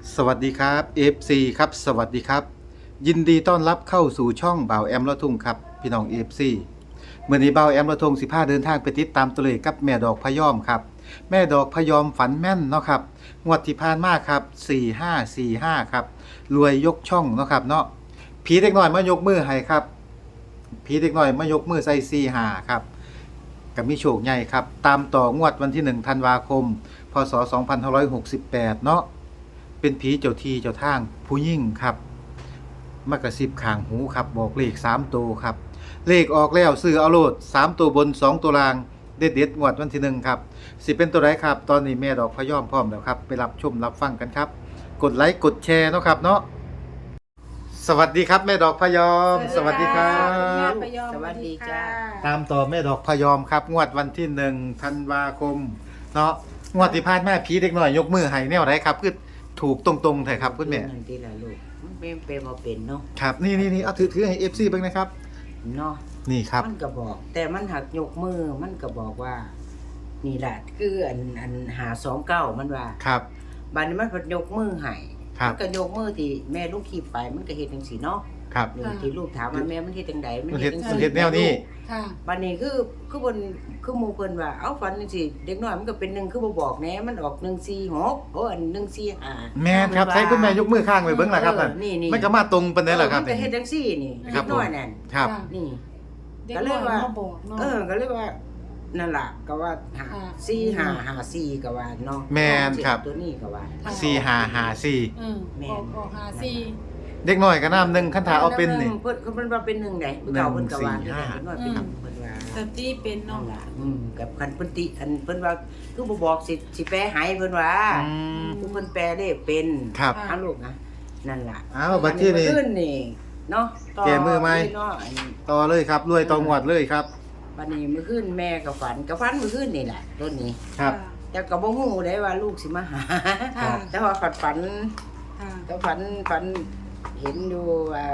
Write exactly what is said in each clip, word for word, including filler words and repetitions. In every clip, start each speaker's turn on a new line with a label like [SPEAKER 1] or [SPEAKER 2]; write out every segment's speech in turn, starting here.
[SPEAKER 1] สวัสดีครับ เอฟ ซี ครับสวัสดีครับยินดีต้อนรับเข้าสู่ช่องบ่าวแอมละทุ่งครับพี่น้อง เอฟ ซี เมื่อนี้บ่าวแอมละทุ่งสิพาเดินทางไปติดตามตัวเลขกับแม่ดอกพะยอมครับแม่ดอกพะยอมฝันแม่นเนาะครับงวดที่ผ่านมาครับสี่ห้าสี่ห้าครับรวยยกช่องเนาะครับเนาะผีเด็กน้อยมายกมือให้ครับผีเด็กน้อยมายกมือใส่สี่ห้าครับกับมีโชคใหญ่ครับตามต่องวดวันที่หนึ่งธันวาคมพศสองพันห้าร้อยหกสิบแปดเนาะ เป็นผีเจ้าที่เจ้าทางผู้ยิ่งครับมากระซิบข้างหูครับบอกเลขสามตัวครับเลขออกแล้วซื้อเอาโลดสามตัวบนสองตัวล่างเด็ดเด็ดงวดวันที่หนึ่งครับสิเป็นตัวไรครับตอนนี้แม่ดอกพะยอมพร้อมแล้วครับไปรับชมรับฟังกันครับกดไลค์กดแชร์เนาะครับเนาะสวัสดีครับแม่ดอกพะยอมสวัสดีครั
[SPEAKER 2] แม่
[SPEAKER 1] บ
[SPEAKER 2] พยอม
[SPEAKER 3] สวัสดีจ้า
[SPEAKER 1] ตามต่อแม่ดอกพะยอมครับงวดวันที่หนึ่งธันวาคมเนาะงวดที่ผ่านมาผีเด็กหน่อยยกมือให้แนวไรครับคือถูกตรงๆแท้ครับคุณแม่
[SPEAKER 3] นั่นทีละลูกมันเป็นเป็นบ่เป็นเนาะ
[SPEAKER 1] ครับนี่นี่นี่เอาถือถือให้ เอฟ ซี เบิ่งนะครับ
[SPEAKER 3] เนาะ
[SPEAKER 1] นี่ครับ
[SPEAKER 3] มันก็บอก แต่มันหักยกมือมันก็บอกว่า นี่แหละคืออันอันหาสองเก้ามันว่า
[SPEAKER 1] ครับ
[SPEAKER 3] บัดนี้มันพยกมือให้
[SPEAKER 1] ครับ
[SPEAKER 3] มันก็ยกมือที่แม่ลูกขี่ไปมันก็เฮ็ดจังซี่เนาะ
[SPEAKER 1] ครับ
[SPEAKER 3] นี่ที่ลูกถามว่าแม่มันเฮ็ดจังไดมัน
[SPEAKER 1] มันเฮ็ด
[SPEAKER 3] จัง
[SPEAKER 1] มัน
[SPEAKER 3] ซี่
[SPEAKER 1] เฮ็ดแนวนี้
[SPEAKER 2] ค่ะ
[SPEAKER 3] บัดนี้คือคือเพิ่นคือหมู่เพิ่นว่าเอ้าฝันจังซี่เด็กน้อยมันก็เป็นหนึ่งคือบ่บอกแหน่มันออกหนึ่งสี่หกโอ้อันหนึ่งสี่ห้า
[SPEAKER 1] แม่นครับใช้คุณแม่ยกมือข้างไปเบิ่งล่ะครับนั่น
[SPEAKER 3] เออนี่นี่
[SPEAKER 1] มันก็มาตรงปานใดล่ะครับ
[SPEAKER 3] มันก็เฮ็ดจังซี่นี่
[SPEAKER 1] ครั
[SPEAKER 3] เด็
[SPEAKER 1] บ
[SPEAKER 3] กน้อยนั่น
[SPEAKER 1] ครับ
[SPEAKER 2] ค่ะ
[SPEAKER 3] นี่
[SPEAKER 2] เด็ก
[SPEAKER 3] ก็เล
[SPEAKER 2] น้อย ย
[SPEAKER 3] ว่า
[SPEAKER 2] มาบอกเนาะ
[SPEAKER 3] เออ ก็เลยว่า นั่นล่ะก็ว่าหา
[SPEAKER 2] ค่ะ
[SPEAKER 3] สี่หาหาสี่ก็ว่าเนาะ
[SPEAKER 1] แม่นครับ
[SPEAKER 3] ตัวนี้ก็ว่า
[SPEAKER 1] สี่ห้าห้าสี่
[SPEAKER 2] อืม
[SPEAKER 3] แม่
[SPEAKER 2] ออกออกหาสี่
[SPEAKER 1] เด็กน้อยก็น้ำหนึ่งคันถาเอาเป็นนี่
[SPEAKER 3] เพิ่นเพิ่นว่าเป็นหนึ่งไดเพิ่นเก่าเพิ่นก็ว่า
[SPEAKER 1] หนึ่งสี่ห้า
[SPEAKER 3] เพิ่นว่าเป็นหนึ่งเพิ่นว่า
[SPEAKER 2] สติเป็น
[SPEAKER 3] นั่
[SPEAKER 2] เนาะ
[SPEAKER 3] นล่ะอืมกับคันเพิ่นติอันเพิ่นว่าคือบ่บอกสิสิแปลให้เพิ่นว่า
[SPEAKER 1] อืม
[SPEAKER 3] คือเพิ่นแปลได้เป็น
[SPEAKER 1] ครับ
[SPEAKER 3] เอาลูกนะนั่นล่ะ
[SPEAKER 1] อ้าวบัดที่นี่
[SPEAKER 3] อัขึ้นนี่เนาะต่
[SPEAKER 1] แก้มือไหม
[SPEAKER 3] เนาะอันนี้
[SPEAKER 1] ต่อเลยครับรวยต่องวดเลยครับ
[SPEAKER 3] บัดนี้มื้อคืนแม่ก็ฝันก็ฝันมื้อคืนนี่แหละต้นนี้
[SPEAKER 1] ครับ
[SPEAKER 3] แต่ก็บ่ฮู้ได้ว่าลูกสิมาหา
[SPEAKER 2] ค่ะ
[SPEAKER 3] แต่ว่าฝันฝัน
[SPEAKER 2] ค่ะ
[SPEAKER 3] ก็ฝันฝันเห็นอยู่ว่า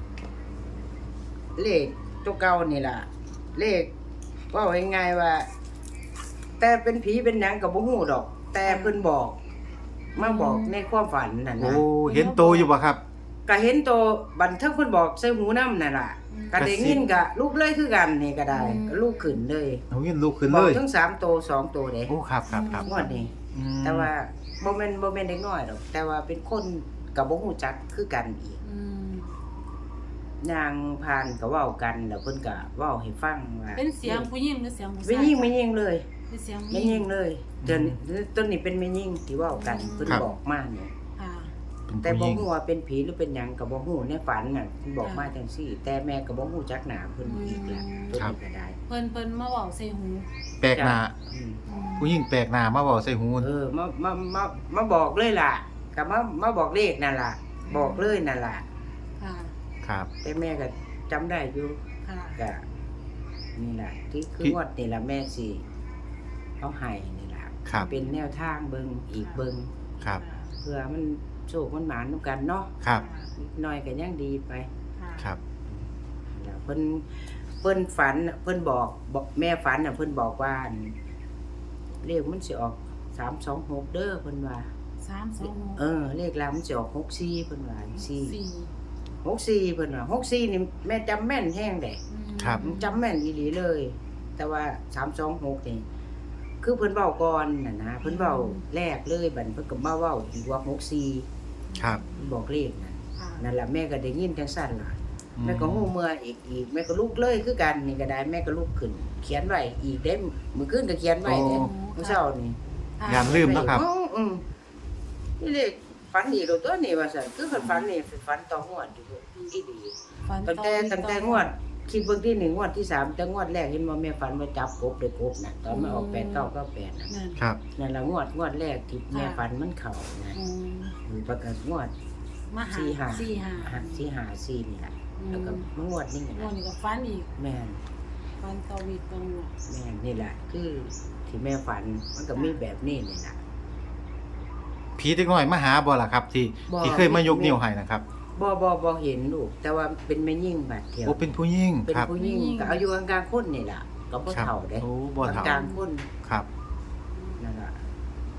[SPEAKER 3] เลขตัวเก่านี่ล่ะ เลขเว่าง่ายๆว่า แต่เป็นผีเป็นหยังก็บ่ฮู้ดอก แต่เพิ่นบอกมาบอกในความฝันนั่น
[SPEAKER 1] โอ้
[SPEAKER 3] นะ
[SPEAKER 1] เห็นโตอยู่บ่ครับ
[SPEAKER 3] ก็เห็นตัวบันทึกเพิ่นบอกใส่หูนำนั่นล่ะก็ได้ยินก็ลูกเลยคือกันนี่ก็ได้ก็ลูกขึ้นเลย
[SPEAKER 1] เอาเงินลูกขึ้น
[SPEAKER 3] บ
[SPEAKER 1] เล
[SPEAKER 3] อก
[SPEAKER 1] ย
[SPEAKER 3] ทั้งสามตัวสองตัวเด้
[SPEAKER 1] โอ้ครับครับครับ
[SPEAKER 3] งวดนี้
[SPEAKER 1] อืม
[SPEAKER 3] แต่ว่าบ่แม่นบ่แม่นเด็กน้อยดอก แต่ว่าเป็นคนก็บ่ฮู้จักคือกันอีก
[SPEAKER 2] อืม
[SPEAKER 3] นางพานก็เว้ากันแล้วเพิ่นก็เว้าให้ฟังว่า
[SPEAKER 2] เป็นเสียงผู้หญิงหรือเสียงผู้ชาย
[SPEAKER 3] ไม่ยิ่งไม่ยิ่งเลย
[SPEAKER 2] เป็นเสียงผู้
[SPEAKER 3] ไม่
[SPEAKER 2] หญิ
[SPEAKER 3] ยิ่
[SPEAKER 2] ง
[SPEAKER 3] งเลยเดี๋ยวนี้ต้นนี้เป็นไม่ยิ่งที่เว้ากันเพิ่น
[SPEAKER 1] ครับ
[SPEAKER 3] บอกมาเนี่ย
[SPEAKER 2] ค่ะ
[SPEAKER 3] แต่
[SPEAKER 1] เป็น
[SPEAKER 3] บ่
[SPEAKER 1] ผู้หญิง
[SPEAKER 3] ฮู้ว่าเป็นผีหรือเป็นหยังก็บ่ฮู้ในฝันน่ะเพิ่นบอกมาจังซี่ แต่แม่ก็บ่ฮู้จักหน้าเพิ่นอีกแหละเพิ่นนี่ก็ได้
[SPEAKER 2] เพิ่นเพิ่นมาเว้าใส่หู
[SPEAKER 1] แปลกหน้า
[SPEAKER 3] อืม
[SPEAKER 2] อืม
[SPEAKER 1] ผู้หญิงแปลกหน้ามาบอกใส่หู
[SPEAKER 3] เออมามามามาบอกเลยล่ะก็มามาบอกเลขนั่นล่ะ บอกเลยนั่นล่ะ
[SPEAKER 2] ค่ะ
[SPEAKER 1] ครับ
[SPEAKER 3] แต่แม่ก็จำได้อยู่
[SPEAKER 2] ค่ะ
[SPEAKER 3] ก็นี่ล่ะที่คือ
[SPEAKER 1] ที่
[SPEAKER 3] งวดนี่ล่ะแม่สิเอาให้นี่ล่ะ
[SPEAKER 1] ครับ
[SPEAKER 3] เป็นแนวทางเบิ่งอีกเบิ่ง
[SPEAKER 1] ครับ
[SPEAKER 3] เพื่อมันโชคมันหมานนํกันเนาะ
[SPEAKER 1] ครับ
[SPEAKER 3] นิดหน่อยก็ยังดีไป
[SPEAKER 2] ค่ะ
[SPEAKER 1] ครับ
[SPEAKER 3] แล้วเพิ่นเพิ่นฝันน่ะเพิ่นบอกบอกแม่ฝันน่ะเพิ่นบอกว่าอั่นเลขมันสิออกสามสองหกเด้อเพิ่นว่า
[SPEAKER 2] สามสองหก
[SPEAKER 3] เออเลขลาวมันสิออกหกสี่เพิ่นว่าสี่
[SPEAKER 2] สี่
[SPEAKER 3] หกสี่เพิ่นว่าหกสี่นี่แม่จำแม่นแฮงเด้
[SPEAKER 2] อืม
[SPEAKER 1] ครับ
[SPEAKER 3] จำแม่นอีหลีเลย แต่ว่าสามสองหกนี่คือเพิ่นเว้าก่อนน่ะนะเพิ่นเว้าแรกเลยบัดเพิ่นก็มาเว้าอีกว่าหกสี่
[SPEAKER 1] ครับ
[SPEAKER 3] เพิ่นบอกเลขนั่น
[SPEAKER 2] ค่ะ
[SPEAKER 3] นั่นล่ะแม่ก็ได้ยินจังซั่นล่ะ
[SPEAKER 1] อื
[SPEAKER 3] แม่ก็ฮู้เมื่ออีกอีกแม่ก็ลุกเลยคือกันนี่ก็ได้แม่ก็ลุกขึ้น เขียนไว้อีกเด้มื้อคืนก็เขียนไว้เด้มื้อเช้านี่
[SPEAKER 2] ค่ะ
[SPEAKER 1] อย่าลืมนะครับ
[SPEAKER 3] อืออืมนี่เลขฝันอีกแล้วตัวนี้ว่าซั่นคือเพิ่นฝันนี่ฝันต่องวดอยู่อีดี
[SPEAKER 2] ฝัน
[SPEAKER 3] ตั้งแต่
[SPEAKER 2] อ
[SPEAKER 3] ตั้งแต่งวดคิดเบิ่งที่หนึ่งงวดที่สามแต่งวดแรกเห็นบ่แม่ฝันว่าจับกบได้กบน่ะตอนมันออกแปดเก้าเก้าแปดน่ะ
[SPEAKER 2] นั่น
[SPEAKER 1] ครับ
[SPEAKER 3] นั่นล่ะงวดงวดแรกที่แม่ฝันมันเข้านะ
[SPEAKER 2] อืม
[SPEAKER 3] ประกาศงวด
[SPEAKER 2] มาหา
[SPEAKER 3] สี่ห้า
[SPEAKER 2] สี่ห้า
[SPEAKER 3] หาสี่ห้าสี่นี่ล่ะ
[SPEAKER 2] อืม
[SPEAKER 3] แล้วก็มางวดนี่
[SPEAKER 2] งว
[SPEAKER 3] นะ
[SPEAKER 2] ดนี้ก็ฝันอีก
[SPEAKER 3] แม่น
[SPEAKER 2] ฝันเกาวีตรงหัว
[SPEAKER 3] แม่นนี่แหละคือที่แม่ฝันมันก็มีแบบนี้นี่แหละ
[SPEAKER 1] ผีเด็กน้อยมาหาบ่ล่ะครับ ที่
[SPEAKER 3] บ่
[SPEAKER 1] ที่เคยมายกนิ้วให้นะครับ
[SPEAKER 3] บ่บ่บ่เห็นลูกแต่ว่าเป็นแม่ยิ่งบาดเดียว
[SPEAKER 1] โอ้เป็นผู้หญิง
[SPEAKER 3] เป็น
[SPEAKER 1] ครับ
[SPEAKER 3] ผู้หญิงก็อายุกลางๆคนนี่ล่ะก็บ่
[SPEAKER 1] ครับ
[SPEAKER 3] เฒ่าเด้
[SPEAKER 1] โอ้บ่เฒ่า
[SPEAKER 3] กลางๆคน
[SPEAKER 1] ครับ
[SPEAKER 3] นั่นล่ะเป็น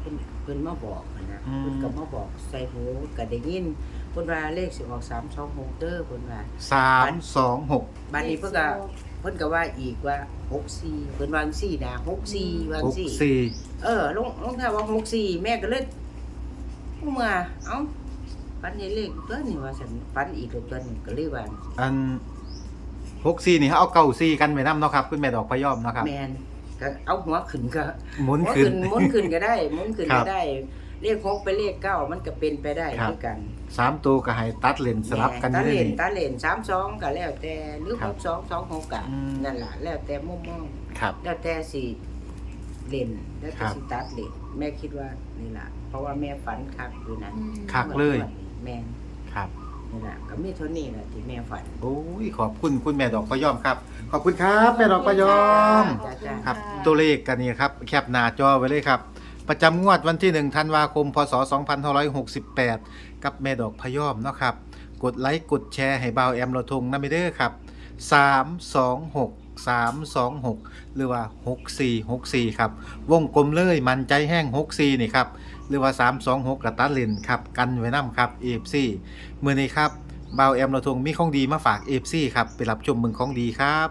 [SPEAKER 3] เพิ่นมาบอกหั้นนะ
[SPEAKER 1] อืม
[SPEAKER 3] เพิ่นก็มาบอกใส่หูก็ได้ยินเพิ่นว่าเลขสิออกสามสองหกเด้อเพิ่นว่า
[SPEAKER 1] สามสองหก
[SPEAKER 3] บัดนี้เพิ่นก็เพิ่นก็ว่าอีกว่าหกสี่เพิ่นวาจั่งซี่นะหกสี่วาจั่
[SPEAKER 1] ห
[SPEAKER 3] ง
[SPEAKER 1] ก
[SPEAKER 3] ซี่
[SPEAKER 1] สี่
[SPEAKER 3] เออลงลงท้ายว่าหกสี่แม่ก็เลยเมื่อเอ้าฝันเห็นเลขตัวนี้ว่าฉันฝันอีกแล้วตัวนี้ก็เลยว่า
[SPEAKER 1] อันหกสี่นี่เขาเอาเก้าสี่กันไว้นํเนาะครับคุณแม่ดอกพะยอมเนาะครับ
[SPEAKER 3] แม่นก็เอาหัวขึ้นก็
[SPEAKER 1] หมุน
[SPEAKER 3] หัว
[SPEAKER 1] ขึ้น
[SPEAKER 3] หมุนขึ้นก็ได้หมุนขึ้น
[SPEAKER 1] ครั
[SPEAKER 3] ก็
[SPEAKER 1] บ
[SPEAKER 3] ได้เลขหกไปเลขเก้ามันก็เป็นไปได้
[SPEAKER 1] ครับ
[SPEAKER 3] คือกัน
[SPEAKER 1] สามตัวก็ให้ตัดเลนสลับกันอ
[SPEAKER 3] ตา
[SPEAKER 1] ยู่
[SPEAKER 3] เล
[SPEAKER 1] ได้
[SPEAKER 3] น
[SPEAKER 1] นี่
[SPEAKER 3] ตาเลนสามสองก็แล้วแต่หรือ
[SPEAKER 1] ครั
[SPEAKER 3] ห
[SPEAKER 1] บ
[SPEAKER 3] กสองสองหกกะ
[SPEAKER 1] อืม
[SPEAKER 3] นั่นล่ะแล้วแต่มุมมอง
[SPEAKER 1] ครับ
[SPEAKER 3] แล้วแต่สิเล่นแล้ว
[SPEAKER 1] ครั
[SPEAKER 3] แต่
[SPEAKER 1] บ
[SPEAKER 3] สิตัดเล่นแม่คิดว่านี่ล่ะเพราะว่าแม่ฝันคักอยู่นะ
[SPEAKER 2] อืม
[SPEAKER 1] คัก เลย
[SPEAKER 3] แม่น
[SPEAKER 1] ครับ
[SPEAKER 3] นี่ล่ะก็มีเท่านี้แหละที่แม่ฝัน
[SPEAKER 1] โอ้ยขอบคุณคุณแม่ดอกพะยอมครับ ขอบคุณครับแม่ดอกพะยอม
[SPEAKER 2] ขอบคุณ
[SPEAKER 1] ครับ
[SPEAKER 2] ะ
[SPEAKER 1] ตัวเลขกันนี่ครับแคปหน้าจอไว้เลยครับ ประจำงวดวันที่หนึ่งธันวาคมพศสองพันห้าร้อยหกสิบแปดกับแม่ดอกพะยอมเนาะครับ กดไลค์กดแชร์ให้บ่าวแอมเราทงนะไม่เด้อครับสามสองหก สามสองหกหรือว่าหกสี่หกสี่ครับวงกลมเลยมันใจแห้งหกสี่นี่ครับหรือว่าสามสองหกกระตัดเลนครับกันไว้นำครับ เอ เอฟ ซี มื้อนี้ครับบ่าวแอมเราทงมีของดีมาฝาก เอ เอฟ ซี ครับไปรับชมเมืองของดีครับ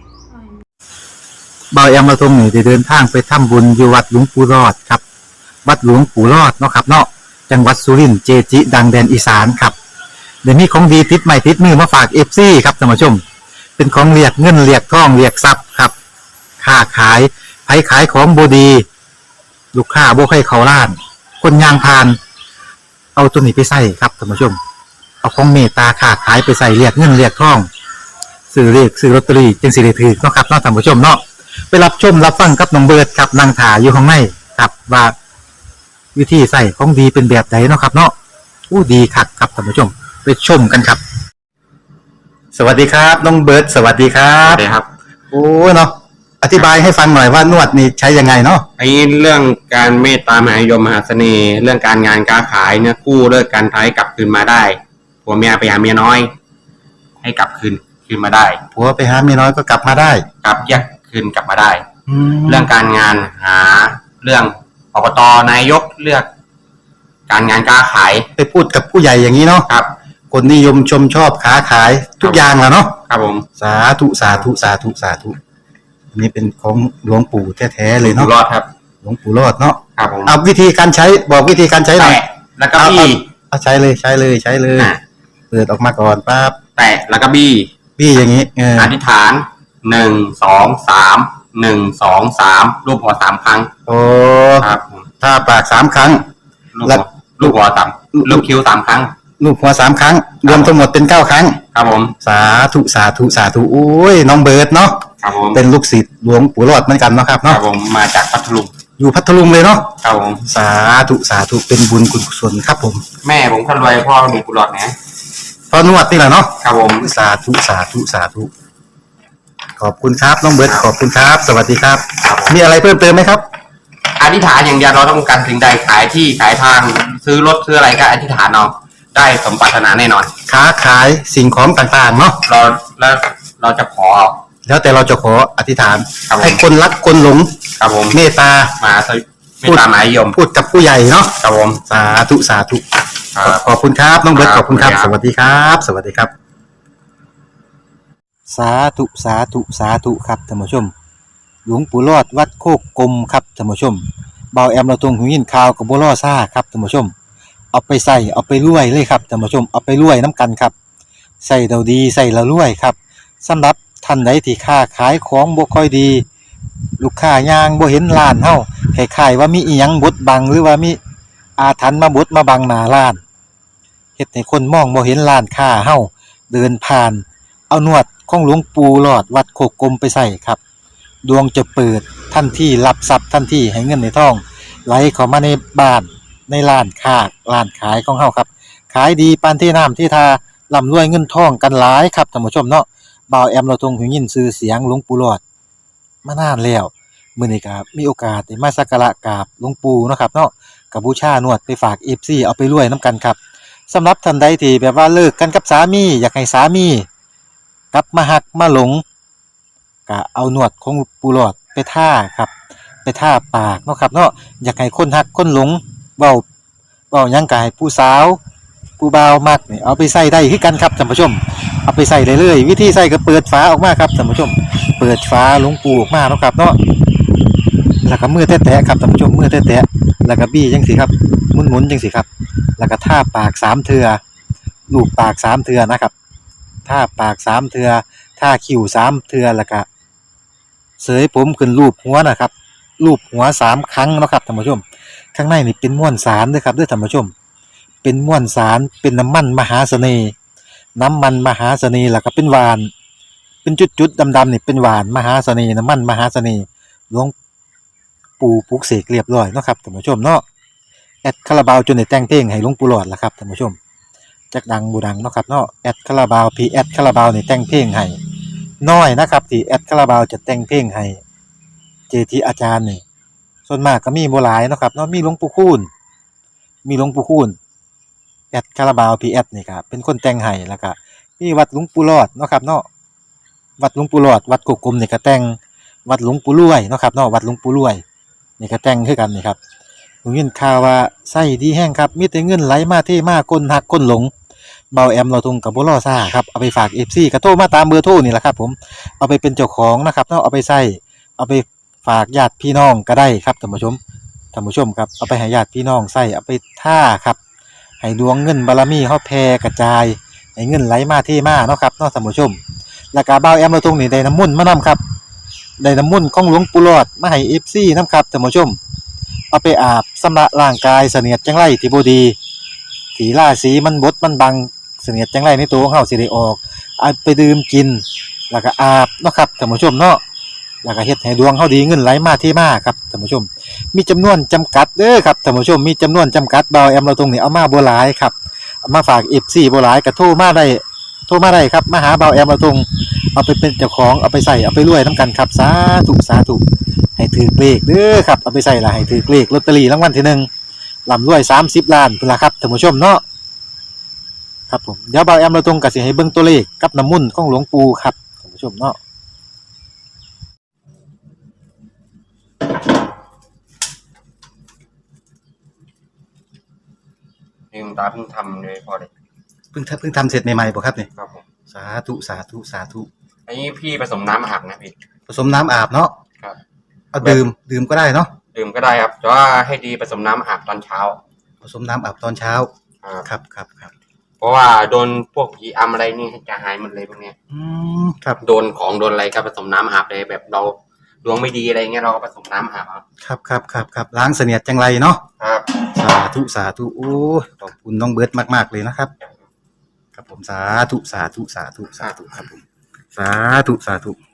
[SPEAKER 1] บ่าวแอมเราทงนี่ได้เดินทางไปทำบุญอยู่วัดหลวงปู่รอดครับวัดหลวงปู่รอดเนาะครับเนาะจังหวัดสุรินทร์เจจิ ดังแดนอีสานครับเดี๋ยวนี้ของดีติดใหม่ติดมือมาฝาก เอฟ ซี ครับท่านผู้ชม เป็นของเรียกเงินเรียกทองเรียกทรัพย์ครับค้าขายไผขายของบดี ลูกค้าบ่ให้เขาล้าน คนยางพาน เอาตัวนี้ไปใส่ครับท่านผู้ชม เอาของเมตตาค้าขายไปใส่เรียกเงินเรียกทองซื้อเรียกซื้อลอตเตอรี่จึงสิได้ถือเนาะครับเนาะท่านผู้ชมเนาะไปรับชมรับฟังกับน้องเบิร์ดครับนางถาอยู่ข้างในครับว่าวิธีใส่ของดีเป็นแบบไหนเนาะครับ เนาะอู้ดีคักครับท่านผู้ชม ไปชมกันครับ สวัสดีครับน้องเบิร์ดสวัสดีครั
[SPEAKER 4] ครับ บเลยครับ
[SPEAKER 1] โอ้เนาะอธิบายให้ฟังหน่อยว่านวดนี่ใช้ยังไงเนาะ
[SPEAKER 4] ไอ้เรื่องการเมตตามหานิยมมหาเสน่ห์ เรื่องการงานการขายเนี่ยกู้เลิกการท้ายกลับคืนมาได้ผัวเมียไปหาเมียน้อย ให้กลับคืนคืนมาได้
[SPEAKER 1] ผัวไปหาเมียน้อยก็กลับมาได้
[SPEAKER 4] กลับแยกคืนกลับมาได้
[SPEAKER 1] แล้
[SPEAKER 4] เรื่
[SPEAKER 1] ว
[SPEAKER 4] องการงานหาเรื่องอบตนายกเลือก การงานการขาย
[SPEAKER 1] ไปพูดกับผู้ใหญ่อย่างนี้เนาะ
[SPEAKER 4] ครับ
[SPEAKER 1] คนนิยมชมชอบค้าขายทุกอย่างละเนาะ
[SPEAKER 4] ครับผม
[SPEAKER 1] สาธุสาธุสาธุสาธุอันนี้เป็นของหลวงปู่แท้ๆเลย
[SPEAKER 4] อยู่
[SPEAKER 1] เนาะ
[SPEAKER 4] รอดครับ
[SPEAKER 1] หลวงปู่รอดเนาะ
[SPEAKER 4] ครับผม
[SPEAKER 1] เอาวิธีการใช้บอกวิธีการใช้หน่อย
[SPEAKER 4] แตะแล้วก็บี้
[SPEAKER 1] เอาใช้เลยใช้เลยใช้เลย
[SPEAKER 4] อ่ะ
[SPEAKER 1] เปิดออกมาก่อนปั๊บ
[SPEAKER 4] แตะแล้วก็บี้
[SPEAKER 1] พี่อย่างนี้เออ
[SPEAKER 4] อธิษฐานหนึ่งสองสามหนึ่งสองสามรูปหัวสามครั้ง
[SPEAKER 1] โอ้
[SPEAKER 4] ครับผม
[SPEAKER 1] ถ้าปากสามครั้ง
[SPEAKER 4] ลูก
[SPEAKER 1] แล้
[SPEAKER 4] หั
[SPEAKER 1] ว
[SPEAKER 4] วลูกหัวสามลูกคิ้วสามครั้ง
[SPEAKER 1] ลูกหัวสามครั้ง รวมทั้งหมดเป็นเก้าครั้ง
[SPEAKER 4] ครับผม
[SPEAKER 1] สาธุสาธุสาธุโอ้ยน้องเบิร์ดเนาะ
[SPEAKER 4] ครับผม
[SPEAKER 1] เป็นลูกศิษย์หลวงปู่รอดเหมือนกันเนาะครับ
[SPEAKER 4] ครั
[SPEAKER 1] เนาะ
[SPEAKER 4] บผมมาจากพัทลุง
[SPEAKER 1] อยู่พัทลุงเลยเนาะ
[SPEAKER 4] ครับผม
[SPEAKER 1] สาธุสาธุเป็นบุญกุศลครับผม
[SPEAKER 4] แม่ผมคนรวยพ่อมีกุหลาบนะ
[SPEAKER 1] พอนวดนี่แหละเนาะ
[SPEAKER 4] ครับผม
[SPEAKER 1] สาธุสาธุสาธุขอบคุณครับน้องเบิร์ดขอบคุณครับ สวัสดีครับ
[SPEAKER 4] ครับผม
[SPEAKER 1] มีอะไรเพิ่มเติมไหมครับ
[SPEAKER 4] อธิษฐานอย่างเดียวเราต้องการสิ่งใดขายที่ขายทางซื้อรถซื้ออะไรก็อธิษฐานเอาได้สมปรารถนาแน่นอน
[SPEAKER 1] ค้าขายสิ่งของต่างๆเนาะ
[SPEAKER 4] เราแล้วเราจะขอ
[SPEAKER 1] แล้วแต่เราจะขออธิษฐาน
[SPEAKER 4] ครับผม
[SPEAKER 1] ให้คนรักคนหลง
[SPEAKER 4] ครับผม
[SPEAKER 1] เมตตา
[SPEAKER 4] มาสวิไม่ตามหมายยม
[SPEAKER 1] พูดกับผู้ใหญ่เนาะ
[SPEAKER 4] ครับผม
[SPEAKER 1] สาธุสาธุ
[SPEAKER 4] ครับ
[SPEAKER 1] ขอบคุณครับน้องเบิร์ต
[SPEAKER 4] ค
[SPEAKER 1] ข
[SPEAKER 4] รับ
[SPEAKER 1] อบคุณครับ
[SPEAKER 4] ขอบ
[SPEAKER 1] ส
[SPEAKER 4] คุณครับ
[SPEAKER 1] วัสดีครับ สวัสดีครับ สาธุสาธุสาธุครับท่านผู้ชม หลวงปู่รอดวัดโคกกลมครับท่านผู้ชมเบาแอมเราตรงหูยินข่าวกับบัวล่อซ่าครับท่านผู้ชม เอาไปใส่เอาไปรวยเลยครับท่านผู้ชมเอาไปรวยน้ำกันครับใส่เราดีใส่เรารวยครับสำหรับท่านใดที่ค้าขายของบ่ค่อยดี ลูกค้ายางบ่เห็นร้านเฮาคล้ายๆว่ามีอีหยังบดบังหรือว่ามีอาถรรพ์มาบดมาบังหน้าร้านเฮ็ดให้คนมองบ่เห็นร้านค้าเฮาเดินผ่าน เอานวดของหลวงปู่หลอดวัดโคกกลมไปใส่ครับ ดวงจะเปิดทันทีรับทรัพย์ทันทีให้เงินในท้องไหลเข้ามาในบ้านในร้านค้าร้านขายของเฮาครับขายดีปานที่น้ำที่ทาร่ำรวยเงินทองกันหลายครับท่านผู้ชมเนาะบ่าวแอมเราทรงหูยินชื่อเสียงหลวงปู่หลอดมานานแล้วมื้อนี้ก็มีโอกาสได้มาสักการะกราบหลวงปู่เนาะครับเนาะก็บูชานวดไปฝาก เอฟ ซี เอาไปรวยนํกันครับสำหรับท่านใดที่แบบว่าเลิกกันกับสามีอยากให้สามีกลับมาหักมาหลงก็เอานวดของปู่หลอดไปท่าครับไปท่าปากเนาะครับเนาะอยากให้คนหักคนหลงเว้าเว้าหยังกายผู้สาวผู้บ่าวมักนี่เอาไปใส่ได้คือกันครับท่านผู้ชมเอาไปใส่ได้เลยวิธีใส่ก็เปิดฝาออกมาครับท่านผู้ชมเปิดฝาหลวงปูออกมาเนาะครับเนาะแล้วก็มือแตะๆครับท่านผู้ชมมือแตะๆแล้วก็บี้จังสิครับหมุนๆจังสิครับแล้วก็ทาปากสามเทื่อลูบปากสามเทื่อนะครับทาปากสามเทื่อทาคิ้วสามเทื่อแล้วก็เสยผมขึ้นรูปหัวนะครับรูปหัวสามครั้งเนาะครับท่านผู้ชมข้างในนี่เป็นม้วนสารเด้อครับเด้อท่านผู้ชมเป็นม้วนสารเป็นน้ำมันมหาเสน่ห์น้ำมันมหาเสน่ห์แล้วก็เป็นหวานเป็นจุดๆดำๆนี่เป็นหวานมหาเสน่ห์น้ำมันมหาเสน่ห์หลวงปู่ปลุกเสกเรียบร้อยเนาะครับท่านผู้ชมเนาะแอดคาราบาวจนได้แต่งเพลงให้หลวงปู่หลอดล่ะครับท่านผู้ชมจักดังบ่ดังเนาะครับเนาะแอดคาราบาวพีแอดคาราบาวนี่แต่งเพลงให้น้อยนะครับที่แอดคาราบาวจะแต่งเพลงให้เจทีอาจารย์นี่ส่วนมากก็มีบ่หลายเนาะครับเนาะมีหลวงปู่คูณมีหลวงปู่คูณแอดคาราบาวพีแอดนี่ครับเป็นคนแต่งให้แล้วก็มีวัดหลวงปู่หลอดเนาะครับเนาะวัดหลวงปู่หลอดวัดกกกลมนี่ก็แต่งวัดหลวงปู่รวยเนาะครับเนาะวัดหลวงปู่รวยนี่ก็แต่งคือกันนี่ครับผมยินข่าวว่าไส้ดีแห้งครับมีแต่เงินไหลมาเทมาคนหักคนหลงเบาแอมเราทุงกับบ่รอซ่าครับเอาไปฝาก เอฟ ซี ก็โทรมาตามเบอร์โทรนี่แหละครับผมเอาไปเป็นเจ้าของนะครับเนาะเอาไปใส่เอาไปฝากญาติพี่น้องก็ได้ครับท่านผู้ชมท่านผู้ชมครับเอาไปให้ญาติพี่น้องใส่เอาไปท่าครับให้ดวงเงินบารมีเฮาแผ่กระจายให้เงินไหลมาเทมาเนาะครับเนาะท่านผู้ชมแล้วก็เบาแอมเราทุงนี่ได้น้ำมนต์มานํครับได้น้ำมนต์ของหลวงปู่หลอดมาให้ เอฟ ซี นำครับท่านผู้ชมเอาไปอาบชำระร่างกายเสนียดจังไรที่บ่ดีที่ราศีมันบดมันบังเสนียดจังไรในตัวของเฮาสิได้ออกเอาไปดื่มกินแล้วก็อาบเนาะครับท่านผู้ชมเนาะแล้วก็เฮ็ดให้ดวงเฮาดีเงินไหลมาเทมาครับท่านผู้ชมมีจำนวนจำกัดเด้อครับท่านผู้ชมมีจำนวนจำกัดเบาแอมเราตรงนี้เอามาบ่หลายครับเอามาฝาก เอฟ ซี บ่หลายก็โทรมาได้โทรมาได้ครับมาหาเบาแอมเราตรงเอาไปเป็นเจ้าของเอาไปใส่เอาไปรวยนํกันครับสาธุสาธุให้ถือเลขเด้อครับเอาไปใส่ละให้ถือเลขลอตเตอรี่รางวัลที่หนึ่งร่ำรวยสามสิบล้านพุ่นล่ะครับท่านผู้ชมเนาะครับผมเดี๋ยวเบาแอมเราตรงก็สิให้เบิ่งตัวเลขกับน้ำมนต์ของหลวงปู่ครับท่านผู้ชมเนาะ
[SPEAKER 4] ลืมตาเพิ่งทำเลยพอเลย
[SPEAKER 1] เพิ่งทำเพิ่งทำเสร็จใหม่ๆบ่ครับเนี่ย
[SPEAKER 4] ครับผม
[SPEAKER 1] สาธุสาธุสาธุ
[SPEAKER 4] อันนี้พี่ผสมน้ำอาบนะพี่
[SPEAKER 1] ผสมน้ำอาบเนาะ
[SPEAKER 4] ครับ
[SPEAKER 1] เอาดื่มดื่มก็ได้เนาะ
[SPEAKER 4] ดื่มก็ได้ครับแต่ว่าให้ดีผสมน้ำอาบตอนเช้า
[SPEAKER 1] ผสมน้ำอาบตอนเช้า
[SPEAKER 4] ครับ
[SPEAKER 1] ครับครับครับ
[SPEAKER 4] เพราะว่าโดนพวกผีอำอะไรนี่จะหายหมดเลยพวกเนี้ย
[SPEAKER 1] อืมครับ
[SPEAKER 4] โดนของโดนอะไรก็ผสมน้ำอาบเลยแบบเราดวงไม่ดีอะไรเงี้ยเราก็ผสมน้ำอาบครับ
[SPEAKER 1] ครับครับครับครับล้างเสนียดจังไรเนาะ
[SPEAKER 4] ครับ
[SPEAKER 1] สาธุสาธุโอ้ยขอบคุณน้องเบิร์ตมากๆเลยนะครับ ครับผมสาธุสาธุสาธุสาธุครับผมสาธุสาธุ